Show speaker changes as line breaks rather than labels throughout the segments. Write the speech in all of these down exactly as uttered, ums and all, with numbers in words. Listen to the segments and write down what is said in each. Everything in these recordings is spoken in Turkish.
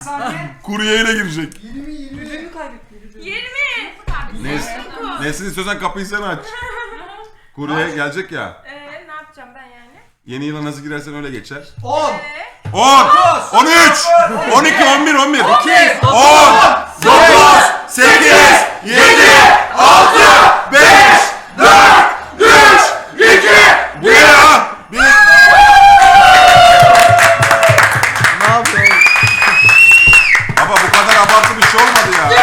Kuryeyle girecek.
yirmi yirmi.
Gücünü kaybetti.
yirmi.
Neyse. Nesin istiyorsan kapıyı sen aç. Kurye gelecek ya.
Eee ne yapacağım ben yani?
Yeni yıla nasıl girersen öyle geçer.
on.
Eee?
on, on üç, on iki, on bir, on bir, on, dokuz, sekiz, yedi, altı, beş, dört, üç, iki, bir. Bir.
Ne yapıyorsun?
Baba bu kadar abartı bir şey olmadı ya.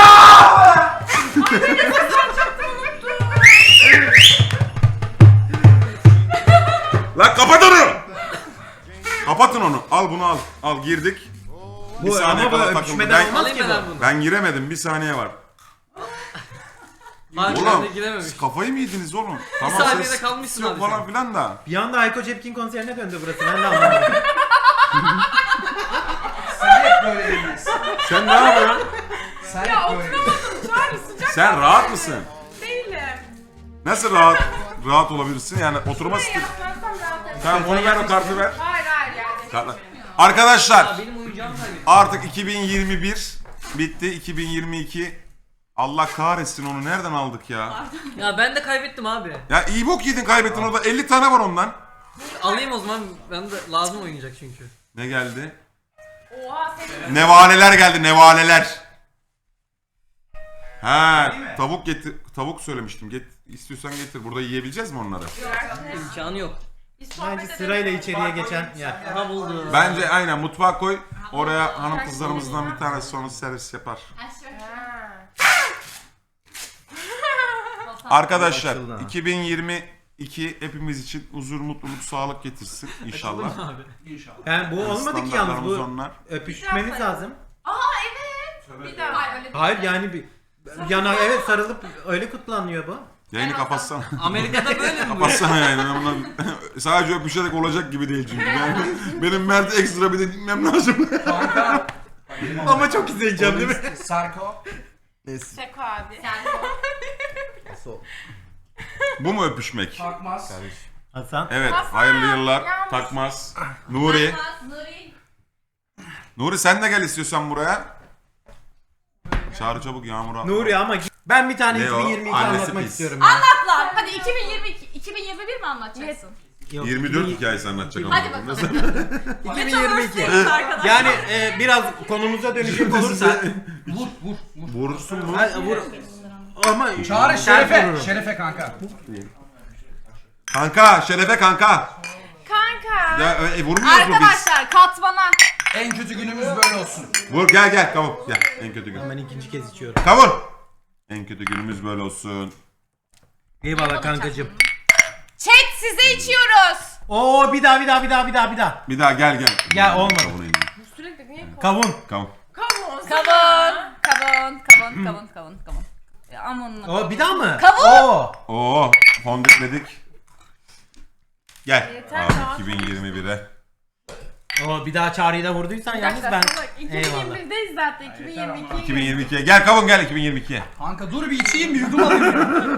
Lan kapat onu. Kapatın onu. Al bunu al. Al girdik. Bir
Bu
saniye
ama bu
kala takıldı.
öpüşmeden
Ben,
olmaz ki
Alayım ben
bu.
bunu.
ben giremedim. Bir saniye var.
Harbiden
Oğlum
de girememiş.
siz kafayı mı yediniz oğlum? Tamam
saniyede
ses
kalmışsın
yok
abi
falan
sen.
filan da.
Bir anda Hayko Cepkin konserine döndü burası. Ben de anlamadım.
Sen hep böyle değilsin.
Sen ne yapıyorsun?
Sen
Ya
hep böyle
oturamadım şu an sıcak.
Sen rahat mısın?
Değilim.
Nasıl rahat rahat olabilirsin? Yani oturma
Ne
stil.
yapmazsam rahat ederim.
Tamam onu ver o kartı ver.
Hayır hayır yani.
Kartla. Arkadaşlar
Ya benim oyuncağımı kaybettim.
artık iki bin yirmi bir bitti. iki bin yirmi iki Allah kahretsin onu nereden aldık ya?
Ya ben de kaybettim abi.
Ya iyi bok yedin kaybettin orada elli tane var ondan.
Alayım o zaman, ben de lazım oynayacak çünkü.
Ne geldi?
Oha senin.
Nevaleler geldi nevaleler. Ha tavuk getir tavuk söylemiştim. Get istiyorsan getir. Burada yiyebileceğiz mi onları?
İmkanı yok.
Biz sohbet
Bence
edelim.
sırayla içeriye geçen yer.
Aha buldum.
Bence aynen mutfağa koy. Oraya hanım kızlarımızdan bir tanesi sonra servis yapar.
Ha.
Arkadaşlar
Açıldı ha.
iki bin yirmi iki hepimiz için huzur, mutluluk, sağlık getirsin inşallah.
Abi.
İnşallah.
Ben bu olmadı ki yalnız bu.
onlar.
Öpüşmemiz lazım.
Aa evet. Bir daha. Hayır, öyle
Hayır yani bir yana evet sarılıp öyle kutlanıyor bu.
Yayını kapatsana.
Amerika'da böyle mi bu?
Kapatsana yayını. Ben bundan sadece öpüşerek olacak gibi değil çünkü. Yani benim Mert'e ekstra bir de dinlemem lazım.
Kanka.
Ama çok izleyeceğim değil mi?
Sarko.
Seko abi.
Bu mu öpüşmek?
Takmaz.
Hasan.
Evet.
Hasan,
Hayırlı yıllar.
yalnız.
Takmaz. Nuri.
Nuri.
Nuri sen de gel istiyorsan buraya. Çağrı çabuk Yağmur'a.
Nuri ama ben bir tane
Ne o?
iki bin yirmi iki
Annesi
anlatmak
pis.
istiyorum ya.
Anlat. Hadi iki bin yirmi iki, iki bin yirmi bir mi anlatacaksın?
Yok,
yirmi dört
iki bin
hikayesi anlatacak ama.
Hadi bakalım.
iki bin yirmi iki. Yani e, biraz konumuza dönecek olursa.
Vur vur vur.
Vurursun mu?
Ha, vur. Ama
Çağrı
sert
Şerefe.
vururum.
Şerefe kanka.
Kanka, Şerefe kanka.
Kanka.
Ya e, vurmuyoruz mu biz?
Arkadaşlar katmana.
En kötü günümüz böyle olsun.
Vur gel gel kavun. Gel en kötü gün.
Ben ikinci kez içiyorum.
Kavun. En kötü günümüz böyle olsun.
Eyvallah kankacığım.
Chat size içiyoruz.
Oo bir daha bir daha bir daha bir daha bir daha.
Bir daha gel gel.
Gel, olmadı.
Kavuna ineyim.
Sürekli niye
Kavun.
Kavun.
kavun?
Kavun. Kavun. Kavun. Kavun. Kavun. Kavun. Ya aman.
Oo bir daha mı?
Kavun.
Oo.
Oo fondipledik. Gel.
Yeter
Abi
ya.
iki bin yirmi bire.
Oo bir daha çağrıyı da vurduysan
Bir
yalnız
dakika
ben.
salak.
Eyvallah.
iki bin yirmi birdeyiz zaten. iki bin yirmi ikiye
iki bin yirmi ikiye. Gel kavun gel iki bin yirmi ikiye.
Kanka dur bir içeyim bir yudum alayım.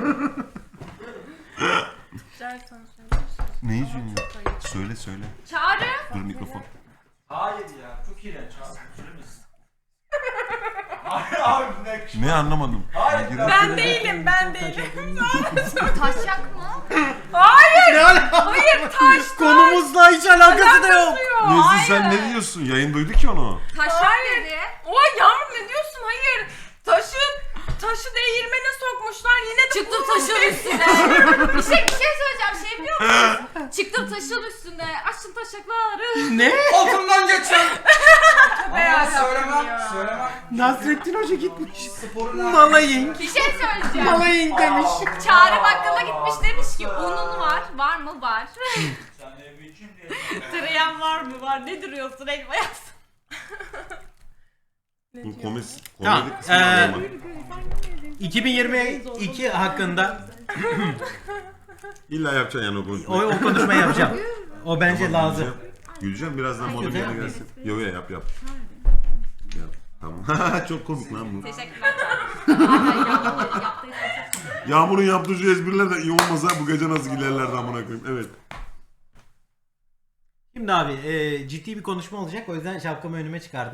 Ne yüzüyorsun ya? Söyle söyle.
Çağrı.
Dur mikrofon.
Hayır ya, çok iğrenç abi. Söylemesin. Hayır abi ne?
Ne anlamadım.
Hayır,
Girin-
Ben değilim ben değilim.
Taşacak mı?
Hayır.
Ne ala-
Hayır taş.
Konumuzla hiç alakası da yok.
Nezih sen ne diyorsun? Yayın duydu ki onu.
Taşak
Hayır.
dedi.
Oha Yağmur ne diyorsun? Hayır. Taşın taşı değirmene sokmuşlar yine de
Çıktım
bulmuş.
taşın üstüne. bir şey bir şey söyleyeceğim. Şey biliyor musun? Çıktım taşın üstüne. Açtım taşakları.
Ne?
Altından geçen. Ama
Beyaz
söylemem.
yaptım ya.
Söylemem.
Nasrettin Hoca gitmiş.
Sporuna.
Malayın.
Bir şey söyleyeceğim.
Malayın demiş.
Çağrı bakkala gitmiş demiş ki unun var. Var mı? Var.
Sen de bir içeyim diye.
Tereyan var mı? Var. Ne duruyorsun? Elma yapsın.
Bu komik
Tamam,
komedi kısmı
ee,
anlamadım.
iki bin yirmi iki hakkında
İlla yapacaksın yani o
o,
konuşmayı.
o konuşmayı yapacağım. O bence
Tamam,
lazım.
Güleceğim, Güleceğim birazdan modum
güzel.
yerine gelsin. Yo yo yap yap. Yap. Tamam. Çok komik lan bu.
Teşekkürler. Yaptıysa çok
Yağmur'un yaptığı espriler de iyi olmasa bu gece nasıl gülerlerdi amına koyayım. Evet.
Şimdi Şimdi abi e, ciddi bir konuşma olacak, o yüzden şapkamı önüme çıkardım.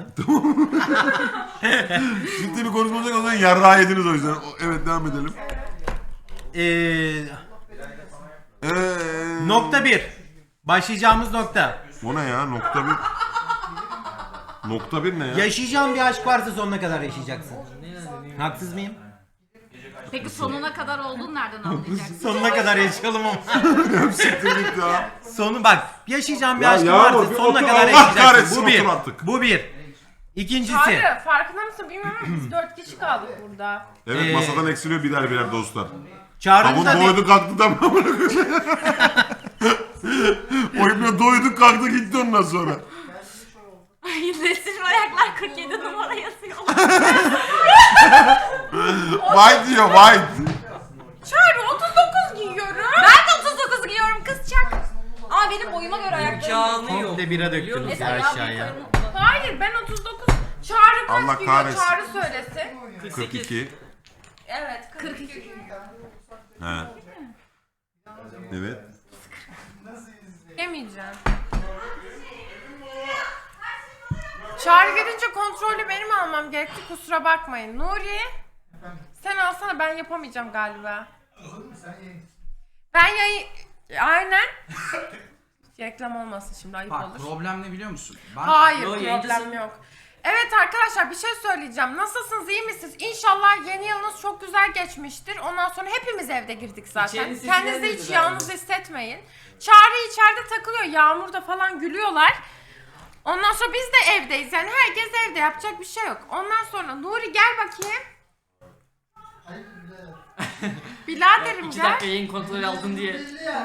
Ciddi bir konuşma olacak, o zaman yarrağı yediniz o yüzden. O- Evet, devam edelim.
Eee
Eee...
nokta bir. Başlayacağımız nokta.
O ne ya? Nokta bir. Nokta bir ne ya?
Yaşayacağın bir aşk varsa sonuna kadar yaşayacaksın. Haksız mıyım?
Peki sonuna kadar olduğunu nereden anlayacaksın?
Sonuna kadar yaşayalım ama.
Siktir git ya.
Sonu bak, yaşayacağın bir
Ya
aşkın
Yağmur,
varsa
bir
sonuna
otur,
kadar
Allah
yaşayacaksın.
kahretsin,
Bu bir.
otur artık.
Bu bir. İkincisi.
Çağrı farkında mısın bilmiyorum ama biz dört kişi kaldık burada.
Evet,
Ee,
masadan eksiliyor birer birer dostlar.
Çağrı'nın
Tavuk
da
doydu kalktı da o ibne doydu kalktı gitti ondan sonra.
Ay Nesrin ayaklar kırk yedi numara yazıyor.
White diyor white.
Çağrı otuz dokuz giyiyorum.
Ben de otuz dokuz giyiyorum kız çak. Ama benim boyuma göre ayaklarım.
İmkanı yok.
komple bira
Biliyor
döktünüz
musun?
ya
Mesela
aşağıya.
ya
Hayır ben otuz dokuz. Çağrı kaç
Allah
giyiyor?
kahretsin.
Çağrı söylesin.
kırk iki.
Evet kırk iki.
He. Evet.
Yemeyeceğim. Çağrı gelince kontrolü benim almam gerekti, kusura bakmayın. Nuri, sen alsana, ben yapamayacağım galiba. Ben yayın... Aynen. Reklam olmasın şimdi, ayıp
Bak
olur.
problem ne biliyor musun? Ben
Hayır,
Yo,
problem
yayıncısın.
yok. Evet arkadaşlar, bir şey söyleyeceğim. Nasılsınız, iyi misiniz? İnşallah yeni yılınız çok güzel geçmiştir. Ondan sonra hepimiz evde girdik zaten.
İçeriniz sesi
Kendinizi
gelmedi
hiç
galiba.
yalnız hissetmeyin. Çağrı içeride takılıyor, Yağmur'da falan gülüyorlar. Ondan sonra biz de evdeyiz. Yani herkes evde, yapacak bir şey yok. Ondan sonra Nuri gel bakayım. Biraderim
İki
gel.
dakika yayın kontrolü aldın diye.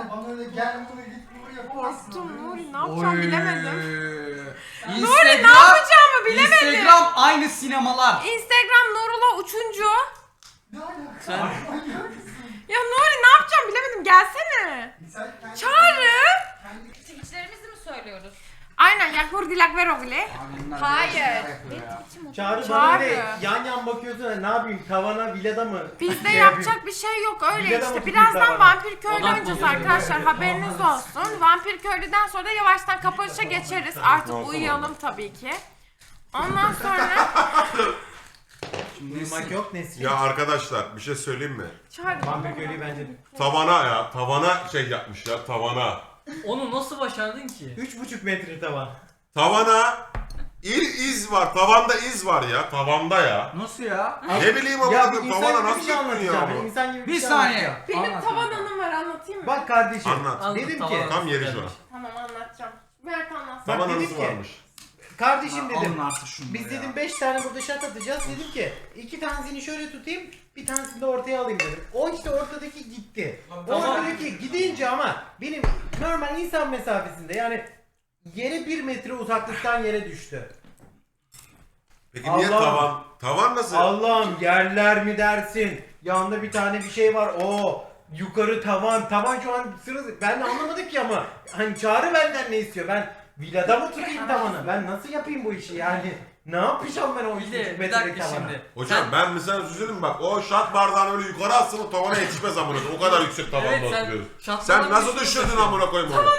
Korktum Nuri, ne yapacağım bilemedim.
Nuri
Nuri ne yapacağımı bilemedim.
Instagram aynı sinemalar.
Instagram Nurullah Uçuncu.
Sen
Ya Nuri ne yapacağım bilemedim, gelsene. Çağrı.
Twitch'lerimizi mi söylüyoruz?
Aynen ya, hurdilak ver oğle. Hayır.
Çağrı
Çağrı.
bana böyle yan yan bakıyorsun da ne yapayım, tavana villada mı?
Bizde
şey
yapacak
yapayım?
bir şey yok, öyle
Villada mı
işte.
tutayım
Birazdan
tavana?
Vampir Köylü
Odak
oynayacağız
bozuyor.
arkadaşlar, haberiniz olsun. Vampir Köylü'den sonra da yavaştan kapanışa geçeriz. Artık uyuyalım tabii ki. Ondan sonra...
Uyumak yok Nesrin.
Ya arkadaşlar bir şey söyleyeyim mi?
Çağrı.
Vampir köylüyü bence
Tavana ya tavana şey yapmış ya tavana.
onu nasıl başardın ki?
üç buçuk metre tavan.
Tavana il iz var. Tavanda iz var ya. Tavanda ya.
Nasıl ya?
Ne bileyim ama
Ya
bu
bir insan
tavana
gibi bir
nasıl
şey
yapılıyor ya
anlatacağım.
bu?
İnsan gibi bir,
Bir
şey
saniye.
anlatacağım.
Benim
Anlat
tavan
abi.
anım var, anlatayım mı?
Bak kardeşim.
Anlat.
Anlat,
Dedim
tamam.
ki.
Tam yeri şu an.
Tamam anlatacağım. Mert anlatsın.
Bak
Tavan
dedim
anısı
ki.
varmış.
Kardeşim dedim.
Alın artık şunu
Biz
ya.
dedim beş tane burada şat atacağız. Dedim ki iki tanesini şöyle tutayım, bir tanesini de ortaya alayım dedim. O işte ortadaki gitti. O ortadaki gidince ama benim normal insan mesafesinde, yani yere bir metre uzaklıktan yere düştü.
Peki niye
Allah.
tavan? Tavan nasıl?
Allah'ım, yerler mi dersin? Yanında bir tane bir şey var. O yukarı tavan. Tavan şu an sırası. Ben de anlamadım ki ama. Hani Çağrı benden ne istiyor? Ben villada mı tutayım tavanı? Ben nasıl yapayım bu işi yani? Ne yapacağım ben o üç
Bir
buçuk
de bir
metrelik
dakika
tavana?
şimdi.
Hocam ben mesela söyleyeyim bak o şat bardağını öyle yukarı atsın o tavana yetişmez amına koyayım. O kadar yüksek tavanda
Evet, sen
oturuyoruz.
şatlardan
Sen nasıl
bir şey
düşürdün
yapıyorsun.
amına koyayım onu?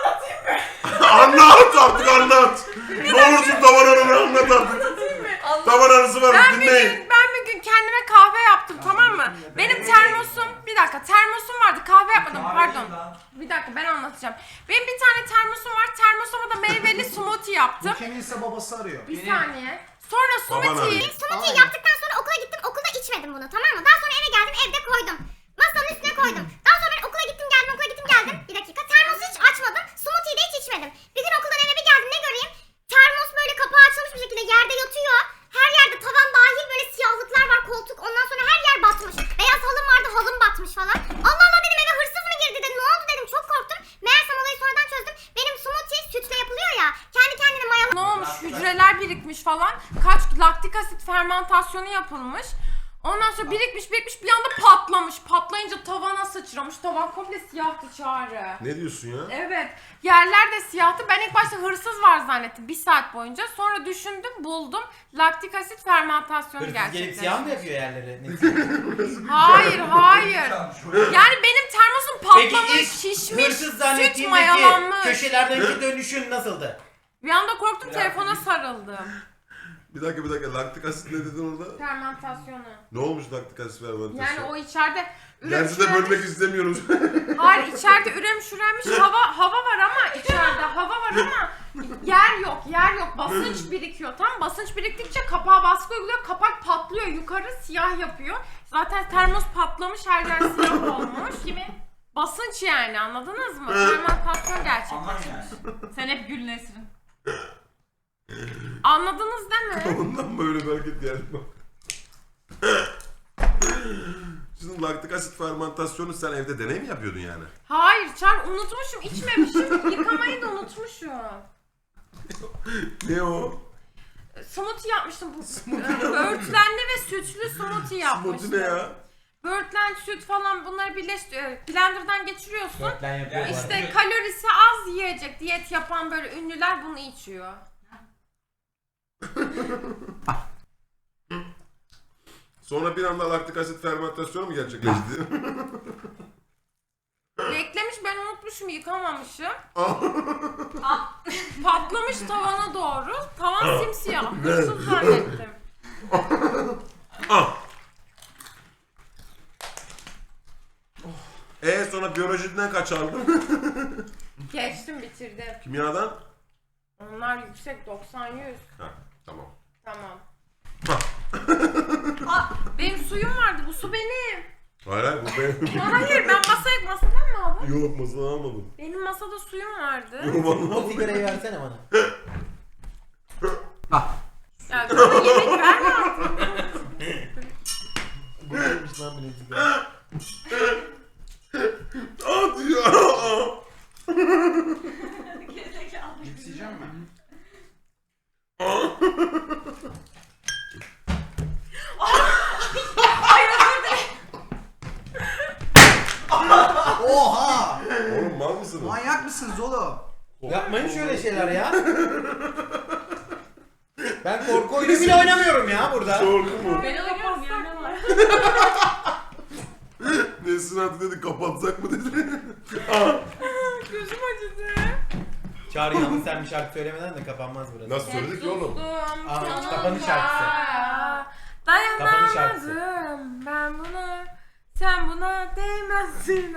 Anlat artık anlat. Ne olursun tavan anını anlat artık. Tavan anısı var
Ben bir
dinleyin.
gün, ben bir gün kendime kahve yaptım, tamam mı? Benim termosum, bir dakika termosum vardı, kahve yapmadım, pardon. Bir dakika ben anlatacağım. Benim bir tane termosum var, termosuma da meyveli smoothie yaptım.
Kiminse babası arıyor.
Bir saniye. Sonra
Baban
smoothie'yi...
arıyor.
Smoothie yaptıktan sonra okula gittim. Okulda içmedim bunu, tamam mı? Daha sonra eve geldim, evde koydum. Masanın üstüne koydum. Daha sonra ben okula gittim geldim, okula gittim geldim. Bir dakika, termosu hiç açmadım. Smoothie'yi de hiç içmedim. Bir gün okuldan eve bir geldim, ne göreyim? Termos böyle kapağı açılmış bir şekilde yerde yatıyor. Her yerde tavan dahil böyle siyahlıklar var, koltuk. Ondan sonra her yer batmış. Beyaz halım vardı, halım batmış falan. Allah Allah dedim, eve hırsız mı girdi dedim. Ne oldu dedim, çok korktum. Meğersem olayı sonradan çözdüm. Benim smoothie sütle yapılıyor ya. Kendi kendine mayalı.
Ne olmuş? Hücreler birikmiş falan. Kaç laktik asit fermentasyonu yapılmış. Ondan sonra birikmiş birikmiş bir anda patlamış. Patlayınca tavana sıçramış. Tavan komple siyahtı Çağrı.
Ne diyorsun ya?
Evet. Yerler de siyahtı. Ben ilk başta hırsız var zannettim bir saat boyunca. Sonra düşündüm, buldum. Laktik asit fermentasyonu
Hırsız gelip
gerçekleşmiş.
siyah mı yapıyor yerleri?
Hayır, hayır. Yani benim termosum patlamış,
Peki ilk
şişmiş,
hırsız
süt
zannettiğindeki
mayalanmış.
köşelerdeki dönüşün nasıldı?
Bir anda korktum, telefona sarıldım.
Bir dakika bir dakika laktik asit ne dedin orada?
Fermentasyonu.
Ne olmuş laktik asit fermentasyon?
Yani o içeride ürem
Dersi de
şürenmiş.
bölmek istemiyoruz.
Hayır, içeride ürem şürenmiş hava hava var ama içeride hava var ama yer yok, yer yok. Basınç birikiyor. Tam basınç biriktikçe kapağa baskı uyguluyor. Kapak patlıyor. Yukarı siyah yapıyor. Zaten termos patlamış, her yer siyah olmuş. Kimin? Basınç yani, anladınız mı? Fermentasyon
Aman
gerçekleşmiş.
yani.
Sen hep Gül Nesrin.
Anladınız değil mi?
Ondan böyle bir hareket geldi bak. Şimdi laktik asit fermentasyonu sen evde deney mi yapıyordun yani?
Hayır, Çar unutmuşum, içmemişim. Yıkamayı da unutmuşum.
Ne o?
Smoothie yapmıştım. Bu böğürtlenli ve sütlü smoothie yapmıştım.
Smoothie ne ya?
Böğürtlen, süt falan bunları birleştiriyor. Blender'dan geçiriyorsun.
Dörtlen yapıyor bu arada.
İşte kalorisi az yiyecek diyet yapan böyle ünlüler bunu içiyor.
Sonra bir anda laktik asit fermentasyonu mu gerçekleşti?
Beklemiş, ben unutmuşum, yıkamamışım. Patlamış tavana doğru. Tavan simsiyah. Hırsız zannettim.
Eee sonra biyolojiden kaç aldın?
Geçtim, bitirdim.
Kimyadan?
Onlar yüksek, doksan yüz.
Ha tamam.
Tamam. Aa, benim suyum vardı, bu su benim.
Hayır hayır bu benim.
Hayır, ben masaya masadan mı aldım?
Yok masadan almadım.
Benim masada suyum vardı.
Yok vallahi.
O sigarayı versene bana.
Ya bana yemek verme artık.
Bu neymiş lan bu ne sigara?
Aa diyor.
Gerizekalı.
Cips yiyeceğim mi?
Ay özür dilerim.
Oha!
Oğlum mal mısınız?
Manyak mısınız oğlum?
Yapmayın şöyle şeyler ya. Ben korku oyunu bile oynamıyorum ya burada.
Korku mu?
Ben oynuyorum ya, ne var?
Nesrin artık dedi kapatsak mı dedi.
Gözüm acıdı.
Çağrı yalnız sen bir şarkı söylemeden de kapanmaz burası.
Nasıl söyledik ki oğlum?
Aa, kapanış şarkısı. Kapanış şarkısı.
Dayanamadım ben buna. Sen buna değmezsin.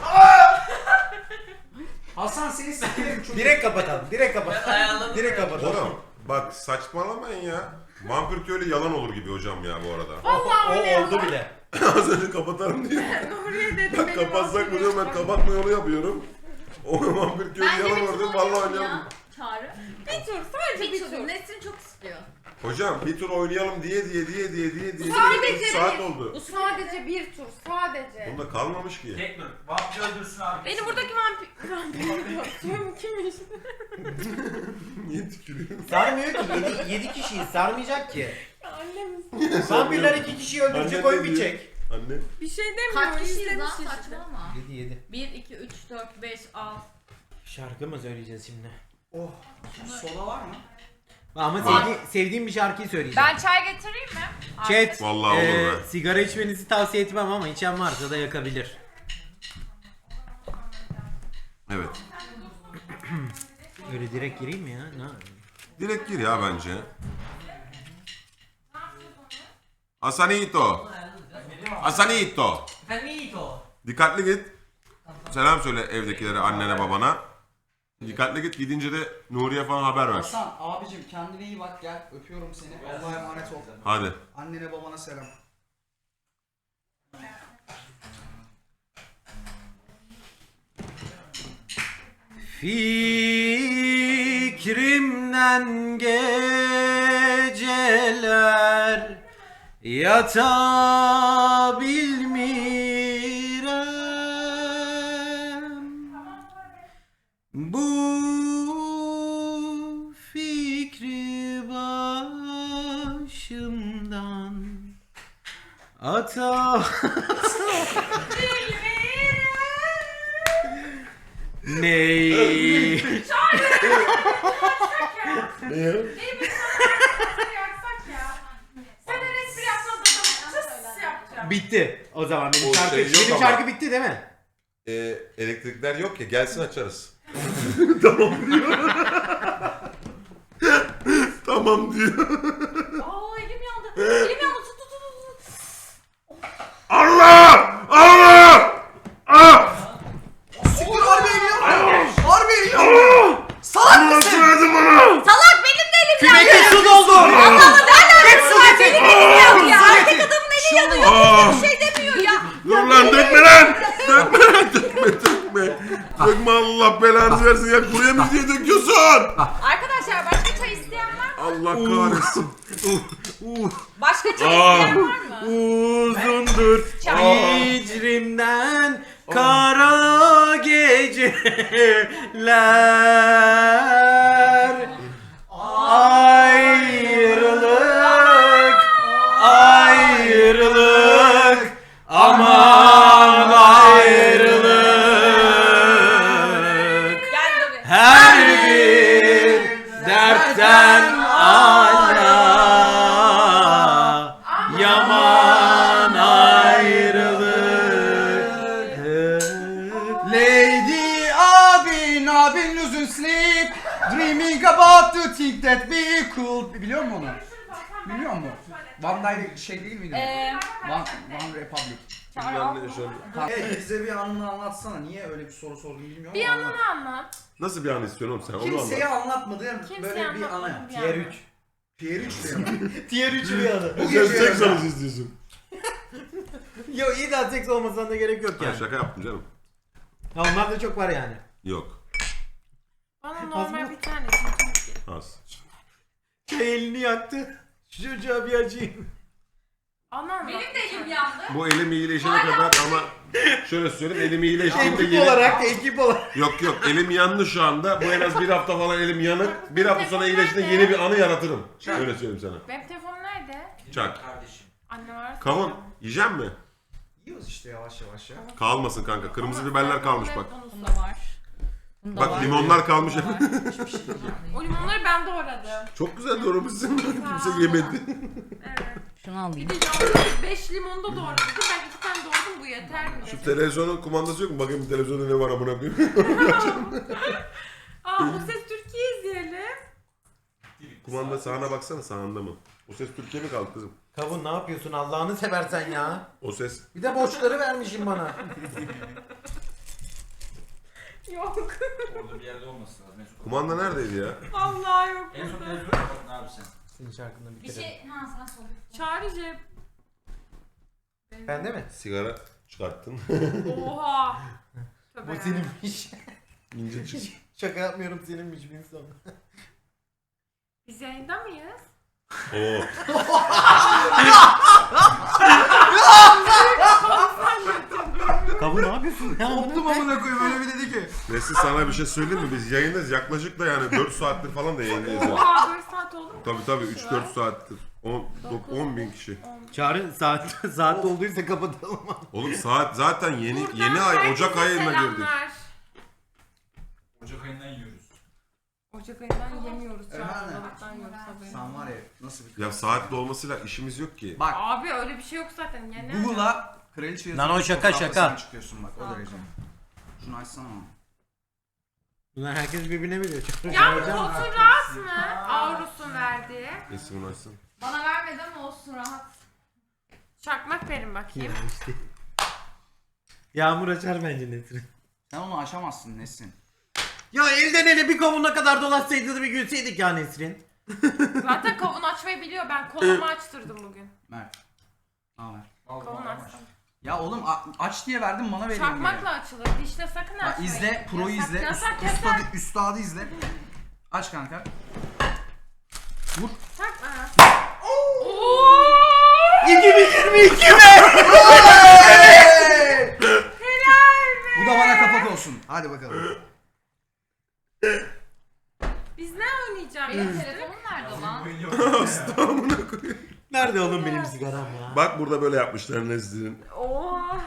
Hasan seni sikerim çocuk.
Direkt kapatalım. Direkt kapatalım.
ayarladım.
Direkt kapatalım.
Oğlum bak saçmalamayın ya. Vampir köylü yalan olur gibi hocam ya bu arada.
Vallahi
O
öyle
oldu
ya.
bile.
Az önce kapatarım diye.
Nuriye dedi
Bak
benim
kapatsak mı
ağzım
diyorum ben
yok.
kapatma yolu yapıyorum. O vampir köylü
Bence
yalan
bir
olur
tur
diyorum vallahi
oynayalım
oynayalım.
ya. Çağrı.
Bir tur, sadece
Bir
bir
tur.
tur.
Nesrin çok istiyor.
Hocam bir tur oynayalım diye diye diye diye diye diye.
Sadece
üç saat
bir.
oldu.
Bu sadece bir tur, sadece.
Bunda kalmamış ki.
Tek dur. Vampir öldürsün abi.
Benim buradaki vampir... Vampir diyorum, kimmiş?
Niye tükürüyorsun?
Sarmıyor ki. Yedi, yedi kişiyiz. Sarmayacak ki.
Annemiz.
Vampirler iki kişiyi öldürecek,
Anne
oy
diyor.
bitecek.
Anne.
Bir şey demiyor,
Kaç kişiyiz lan,
izlemiş işte.
saçmalama.
Yedi yedi.
bir, iki, üç, dört, beş, altı.
Şarkı mı söyleyeceğiz şimdi?
Oh. Soda var mı?
Ama
Var.
sevdi, sevdiğim bir şarkıyı söyleyeceğim.
Ben çay getireyim mi?
Chat,
Vallahi olur
eee,
be.
sigara içmenizi tavsiye etmem ama içen varsa da yakabilir.
Evet.
Öyle direkt gireyim mi ya? Ne?
Direkt gir ya bence. Asanito. Asanito.
Finito.
Dikkatli git. Selam söyle evdekilere, annene, babana. Dikkatli git. Gidince de Nuriye falan haber ver.
Hasan abicim kendine iyi bak gel. Öpüyorum seni. Allah'a emanet ol.
Hadi.
Annene babana selam.
Fikrimden geceler yatabilmirem. Bu fikri başımdan Ata. Ney?
Sen her espri yapmadın adamı tıs yapacağım.
Bitti. O zaman benim
O
şarkı,
şey yok
benim
ama.
şarkı bitti değil mi?
Ee, elektrikler yok ya, gelsin açarız. Tamam diyor.
Aa elim yandı. Elim yandı. Tut tut tut tut.
Allah! Allah! Ah!
Siktir harbi eriyor. Harbi eriyor. Salak mısın?
Söyledim bana!
Salak benim de elim yandı.
Kümete su doldu.
Allah'ım nereden
Su
var?
getir.
Benim elim yandı ya.
Su
Erkek
getir.
adamın eli yanıyor.
Aa!
Bir şey demiyor ya.
Dur lan, dökme lan! Dökme lan, dökme, dökme. Dökme, Allah belanı versin ya. Buraya mı diye döküyorsun?
Arkadaşlar başka çay isteyen var mı?
Allah kahretsin.
Başka çay
Aa.
isteyen var mı?
Uzundur hicrimden kara geceler. Ayrılık, ayrılık, aman ayrılık.
Gel tabii.
Her bir dertten ala yaman ayrılık.
Lady abin abin losing sleep. Dreaming about to think that we could. Biliyor musun onu? Biliyor musun? One Day şey değil miydi?
Ee,
One, One Republic. Hey, bize bir anını anlatsana. Niye öyle bir soru sordun bilmiyorum
Bir
ama
anını anlat.
Nasıl bir an istiyorsun oğlum sen? Onu
Kimseye
anlat.
anlatmadığım
Kimseye
böyle bir
anlatmadığım
anı.
bir
Tier
anı.
üç.
Tier üç diyor.
Tier üç bir adı.
Bu
Sen
gece
seks
özel.
anısı istiyorsun.
Yo iyi de seks olmasına da gerek yok
Ben
yani.
şaka yaptım canım.
Ya onlar da çok var yani.
Yok.
Bana normal bir tane.
Az.
Şey elini yaktı. Şu çocuğa bir acıyım.
Ana anlat.
benim de elim yandı.
Bu elim iyileşene kadar ama şöyle söyleyeyim, elim iyileştiğinde
Ekip
yeni...
olarak, ekip olarak.
Yok yok, elim yandı şu anda. Bu en az bir hafta falan elim yanık. Bir hafta sonra iyileştiğinde yeni bir anı yaratırım. Öyle söyleyeyim sana.
Benim telefonum nerede?
Çak.
Kardeşim.
Anne var.
Kavun, yiyecek mi?
Yiyoruz işte yavaş yavaş ya.
Kalmasın kanka. Kırmızı biberler kalmış bak.
Bunda var. Bunda
Bak
var.
limonlar kalmış.
O limonları ben doğradım.
Çok güzel doğramışsın. Kimse yemedi.
Evet.
Şunu alayım.
Bir de yalnız beş limonu da doğradım. Ben iki tane doğradım, bu yeter mi?
Şu
dedim.
televizyonun kumandası yok mu? Bakayım bir televizyonda ne var amına koyayım.
Aa, Bu Ses Türkiye izleyelim.
Kumanda sağına baksana, sağında mı? O ses Türkiye mi kaldı kızım?
Kavun ne yapıyorsun Allah'ını seversen ya.
O ses.
Bir de borçları vermişim bana.
Yok.
Orada bir yerde olması lazım. En son-
Kumanda neredeydi ya?
Vallahi yok.
En son
burada.
televizyona baktın abi sen.
Senin şarkında bir
Bir
kere.
şey, ha sana sordum.
Çağrıcı.
Bende mi?
Sigara çıkarttın.
Oha.
Bu
Tövbe ya.
seninmiş.
İnce çık.
Şaka yapmıyorum seninmiş bir insan.
Biz yayında mıyız?
Oo.
Kavun ne yapıyorsun ya?
Koptum amına koyayım öyle bir dedi ki.
Nesin, sana bir şey söyleyeyim mi? Biz yayındayız. Yaklaşık da yani dört saattir falan da yayındayız. ya.
Oha dört saat oldu mu?
Tabii tabii üç dört saattir. on bin kişi.
Çağrı saat saat olduysa kapatalım.
Oğlum saat zaten yeni
Buradan
yeni ay
herkese
Ocak ayına girdik.
selamlar.
Ocak ayından yiyoruz.
Ocak ayından yemiyoruz.
Efendim?
Çağrı'dan yiyoruz haberin.
Sen var ya nasıl bir
Ya saatli olmasıyla işimiz yok ki.
Bak
Abi öyle bir şey yok zaten. Yani
Google'a kraliçe
Lan o şaka, şaka.
fotoğraflasına çıkıyorsun bak o
Tamam.
derece. Şunu açsana ama.
Bunlar herkes birbirine biliyor.
Ya bu koltuğun rahat mı? Avrus'un verdiği.
Nesin bunu açsın.
Bana vermedi ama olsun rahat.
Çakmak verin bakayım.
Ya işte. Yağmur açar bence Nesrin.
Sen onu aşamazsın Nesin.
Ya elden ele bir kavunla kadar dolaşsaydı da bir gülseydik ya Nesrin.
Zaten kavun açmayı biliyor. Ben kolumu açtırdım bugün.
Mert. Al ver.
Kavun açtım.
Ya oğlum a- aç diye verdim bana veriyorsun.
Çakmakla açılır. Dişle sakın
Bak
açmayın.
izle, pro'yu
Yasak,
izle.
Yasak
Üst,
yasak.
üstadı, üstadı izle. Aç kanka. Vur.
Çakma. Oo!
iki bin yirmi iki mi?
Helal be.
Bu da bana kapak olsun. Hadi bakalım.
Biz ne oynayacağız?
Benim telefonum nerede lan?
Hasta amına koyayım.
Nerede oğlum benim sigaram ya?
Bak burada böyle yapmışlar Nezli'nin.
Oha.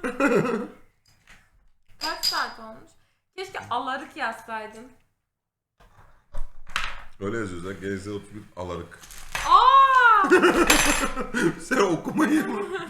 Kaç saat olmuş? Keşke alarık yazsaydım.
Öyle yazıyorlar. G Z otuz bir alarık.
Aa!
Sen okumayı.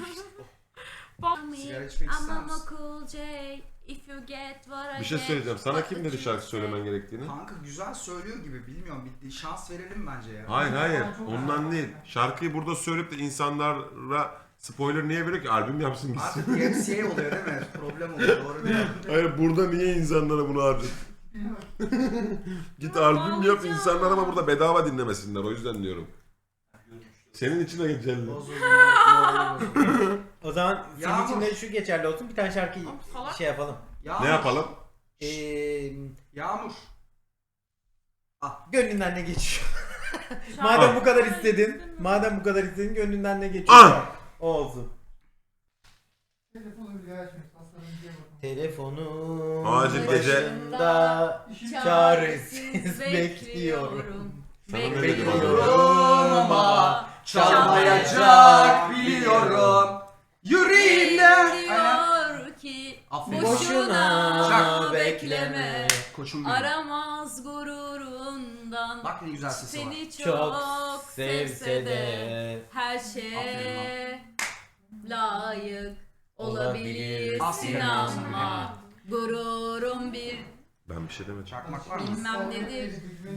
Sigara içmek ister
I'm a
misin?
cool J. If you get what I
Bir şey
get,
söyleyeceğim. Sana
what
kim
the
dedi
kids
şarkı
say.
söylemen gerektiğini?
Kanka güzel söylüyor gibi bilmiyorum. Bir şans verelim bence ya.
Hayır hayır. Ondan değil. Şarkıyı burada söyleyip de insanlara spoiler niye veriyor ki? Albüm yapsın gitsin.
Artık D M C A oluyor değil mi? Problem oluyor doğru değil mi?
Hayır burada niye insanlara bunu harcıyorsun? Git albüm yap, insanlar ama burada bedava dinlemesinler, o yüzden diyorum. Senin için de geçerli.
Bozuldu. morali bozuldu.
O zaman senin
Yağmur.
için de şu geçerli olsun. Bir tane şarkı
salak.
şey yapalım.
Yağmur.
Ne yapalım?
Ee,
Yağmur.
gönlünden ne geçiyor?
Şarkı-
Madem bu kadar istedin, madem bu kadar istedin gönlünden ne geçiyor?
Ah!
O olsun.
Telefonu bile açmıyor. Hastanın diye bakın.
Telefonu
Acil gece-
başında çaresiz bekliyorum.
Sana ne dedim
Bekliyorum ama çalmayacak biliyorum. Yüreğimden. Aynen.
Diyor ki
Aferin.
Boşuna
Boşuna
bekleme.
Koçum benim.
aramaz gururundan.
Bak ne güzel sesi var.
Seni çok,
Çok
sevse de her şeye layık olabilirsin
Aferin
ama gururum bir
Ben bir şey demedim.
Çakmak var mı?
bilmem nedir.
Mert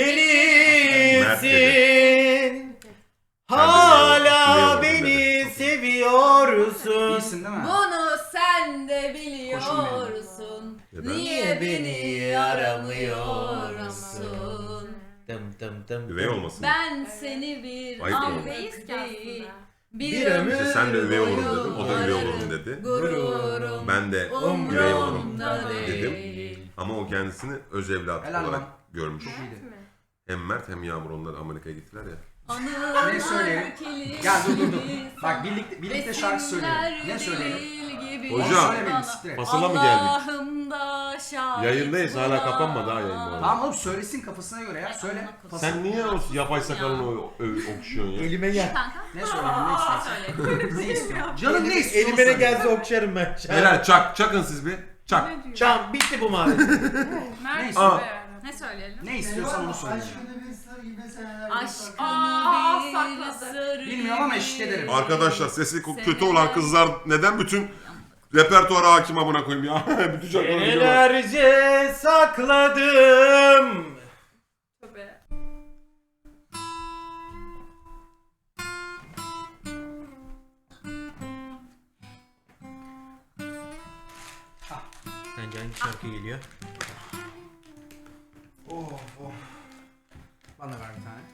Bilmelisin.
Ben
Hala
de biliyorum,
beni seviyorsun.
İyisin değil mi?
Bunu sen de biliyorsun.
Neden?
Niye beni aramıyorsun?
Dım dım dım.
Üvey olmasın.
Ben seni bir
Ayıp
an
oldu.
değil
Değil.
Bir ömür
İşte sen de üvey olurum dedim, o da üvey olurum dedi.
Gururum
Ben de
Umrumda
üvey olurum
umrumda
dedim.
değil.
Ama o kendisini öz evlat
Helal
olarak
lan.
görmüş.
Çok iyiydi.
Hem Mert hem Yağmur onlar Amerika'ya gittiler ya.
Anılar
Ne söyleyelim?
kilit
Gel dur dur dur.
gibi
Bak birlikte birlikte şarkı söyleyelim. Ne söyleyelim?
Gibi
Hocam.
Onu söylemeyelim siktir et.
Fasıla mı geldik?
Allah'ımda şahit
Yayındayız, hala
buna.
kapanmadı ha yayın bu arada.
Tamam oğlum söylesin kafasına göre ya. Söyle.
Sen niye o yapay sakalını o- ö- okşuyorsun ya?
Elime gel.
Kanka.
Ne söyleyeyim ne istersin? Ne istiyorsun? Canım ne istiyorsun?
Elime ne
söyle.
gelse okşarım ben.
Beyler çak, çakın siz bir. Çak.
Çam bitti bu mavi.
Ne
Mert
istiyorsun?
Aa.
ne söyleyelim?
Ne istiyorsan onu söyle.
Aşkını bir sır gibi seneler.
Aşkımı bir
sakladı.
sır
Bilmiyorum ama
gibi.
eşlik ederim.
Arkadaşlar sesi ko- kötü olan kızlar neden bütün repertuara hakim amına koyayım ya? Bütün şarkıları biliyorum.
Senelerce sakladım.
Tabii.
Sence hangi şarkı geliyor?
Oh oh. Bana ver bir tane.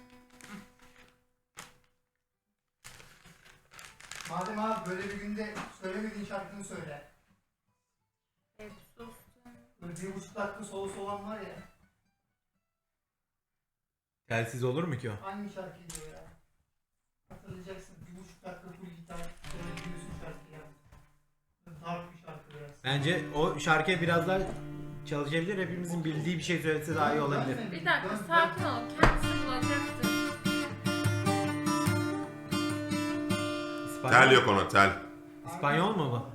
Madem abi böyle bir günde söylemediğin şarkını söyle.
Evet, sus.
Böyle bir buçuk dakika solosu olan var ya.
Telsiz olur mu ki o?
Hangi şarkıydı o ya? Hatırlayacaksın. Bir buçuk dakika full gitar. Böyle bir yüzün şarkı ya. Böyle dark bir şarkı biraz.
Bence o şarkıya biraz daha çalışabilir. Hepimizin bildiği bir şey söylese daha iyi olabilir.
Bir dakika sakin ol. Kendisi bulacaktır.
İspanyol,
Tel yok ona tel.
İspanyol mu bu?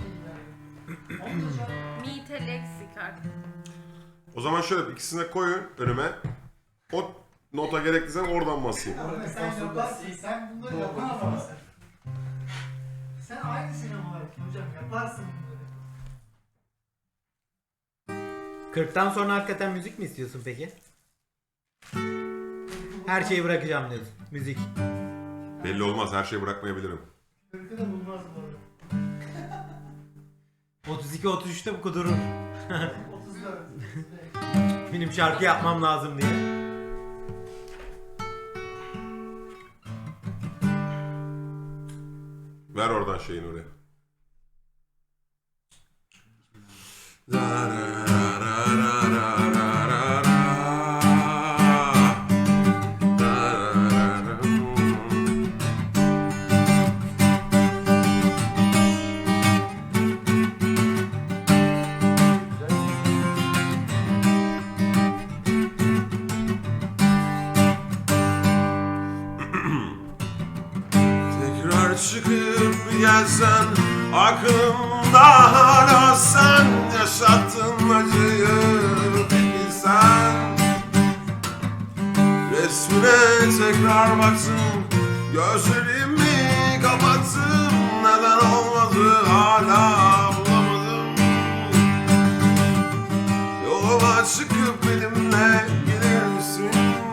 Mite leksik artık.
O zaman şöyle ikisine koyun önüme. O nota gerekliyse oradan basayım.
Ama sen yaparsın. Sen bunları yapamazsın. Sen aynı sinemadasın hocam. Yaparsın bunları.
kırktan sonra hakikaten müzik mi istiyorsun peki? Her şeyi bırakacağım diyorsun. Müzik.
Belli olmaz, her şeyi bırakmayabilirim.
Kırkı da bulmaz bu arada.
otuz iki otuz üçte bu kudurur.
otuz dört.
Benim şarkı yapmam lazım diye.
Ver oradan şeyini oraya. çıkıp gelsen, aklımda hala sen, yaşattın acıyı bilsen. Resmine tekrar baktım, gözlerimi kapattım, neden olmadı hala bulamadım. Yoluma çıkıp benimle gelir misin?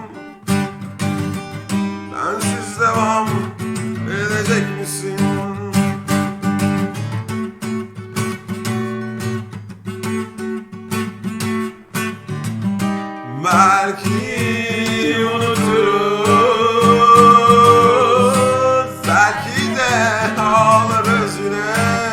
Bensiz devam edecek misin? Belki unuturuz, belki de ağlarız yine.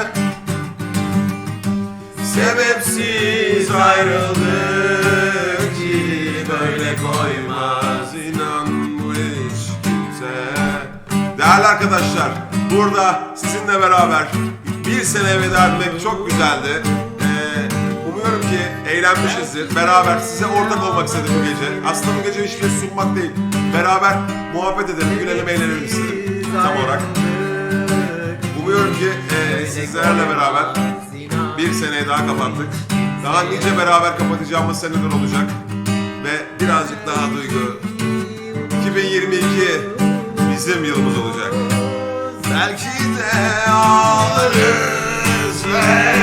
Sebepsiz ayrıldık ki böyle koymaz inan bu iş kimse. Değerli arkadaşlar, burada sizinle beraber bir sene veda etmek çok güzeldi. Umuyorum ki eğlenmişizdir. Beraber size ortak olmak istedim bu gece. Aslında bu gece hiçbir şey sunmak değil. Beraber muhabbet edelim, gülelim, eğlenelim istedim tam olarak. Umuyorum ki e, sizlerle beraber bir seneyi daha kapattık. Daha nice beraber kapatacağımız seneler olacak. Ve birazcık daha duygu. iki bin yirmi iki bizim yılımız olacak. Belki de ağlarız ve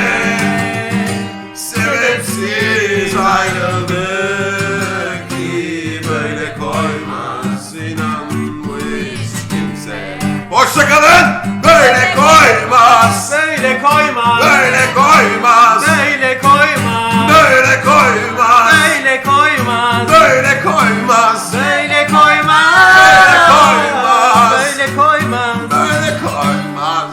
sebepsiz ayrıldık ki böyle koymaz inan bu iş kimse. Hoşçakalın. Böyle koymaz.
Böyle koymaz.
Böyle koymaz.
Böyle koymaz.
Böyle koymaz.
Böyle koymaz.
Böyle koymaz.
Böyle koymaz.
Böyle koymaz.
Böyle koymaz.
Böyle koymaz.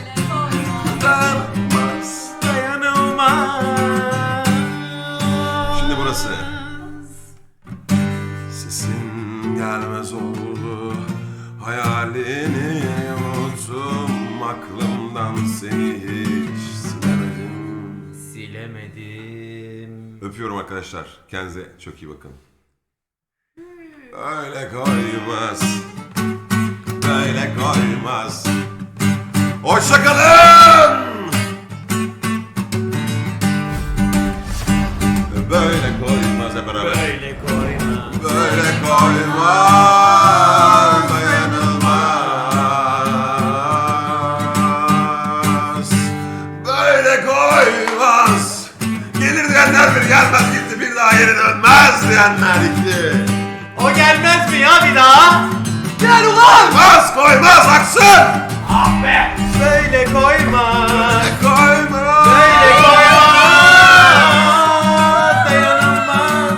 Dayanılmaz.
Dayanılmaz.
Şimdi burası. Sesin gelmez oldu. Hayalini unuttum. Aklımdan seni hiç silemedim.
Silemedim.
Öpüyorum arkadaşlar. Kendinize çok iyi bakın. Böyle koymaz. Böyle koymaz. Hoşçakalın. Böyle koymaz hep beraber.
Böyle koymaz.
Böyle koymaz. Dayanılmaz. Böyle koymaz. Gelir diyenler bir gelmez gitti, bir daha geri dönmez diyenler gitti.
O gelmez mi ya bir daha?
Gel ulan! Koymaz, koymaz, aksın!
Ah be! Böyle koymaz.
Böyle koymaz.
Böyle koymaz. Dayanılmaz.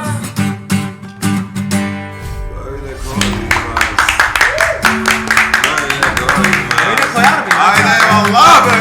Böyle koymaz. Böyle koymaz.
Öyle koyar mıyım?
Haydi eyvallah be!